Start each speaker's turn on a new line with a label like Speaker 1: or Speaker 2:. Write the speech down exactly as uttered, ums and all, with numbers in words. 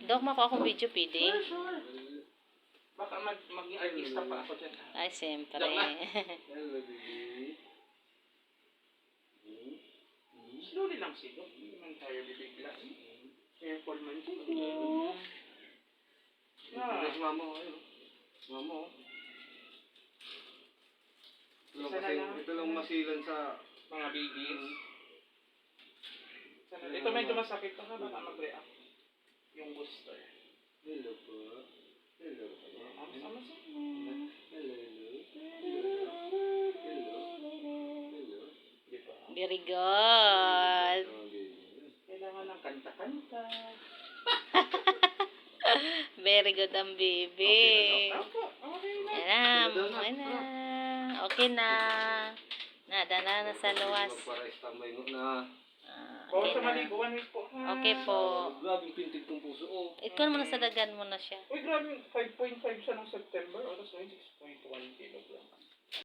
Speaker 1: Dok, mako akong video, pwede?
Speaker 2: Sure, sure. Baka mag maging artista pa ako dyan.
Speaker 1: Ay, siyempre.
Speaker 2: Joke lang.
Speaker 3: Hello, baby.
Speaker 2: Slowly lang si Doc. Hindi naman tayo bibigla. Careful man siya.
Speaker 3: Ah. Ito si mama ko. Ayun. Mama ko. Ito lang,
Speaker 2: Isa na
Speaker 3: kasi,
Speaker 2: lang.
Speaker 3: ito lang masilan sa...
Speaker 2: Mga babies. Sana- Ito medyo masakit pa ka. Baka mag-react. Yung booster.
Speaker 3: Hello po. Hello po.
Speaker 2: Ang sama sa
Speaker 3: Hello, hello. Hello. Hello.
Speaker 2: Di ba?
Speaker 1: Very good.
Speaker 3: Oh, baby.
Speaker 2: Kailangan ng kanta-kanta.
Speaker 1: Very good ang baby.
Speaker 2: Okay na, Doc. Opo, okay na.
Speaker 1: Ayan na, okay na. Okay na. Nada na, nasa luwas.
Speaker 3: Magpara-istambay mo na.
Speaker 1: Ah,
Speaker 2: Oo,
Speaker 1: okay
Speaker 2: sa
Speaker 1: na.
Speaker 2: maligo. One week po. ha?
Speaker 1: Okay po.
Speaker 3: Grabe yung pintig kong puso. Oh.
Speaker 1: Ikaw naman sa dagan mo na siya.
Speaker 2: Uy, grabe. five point five siya ng September. Oras ngayon, six point one kilo lang.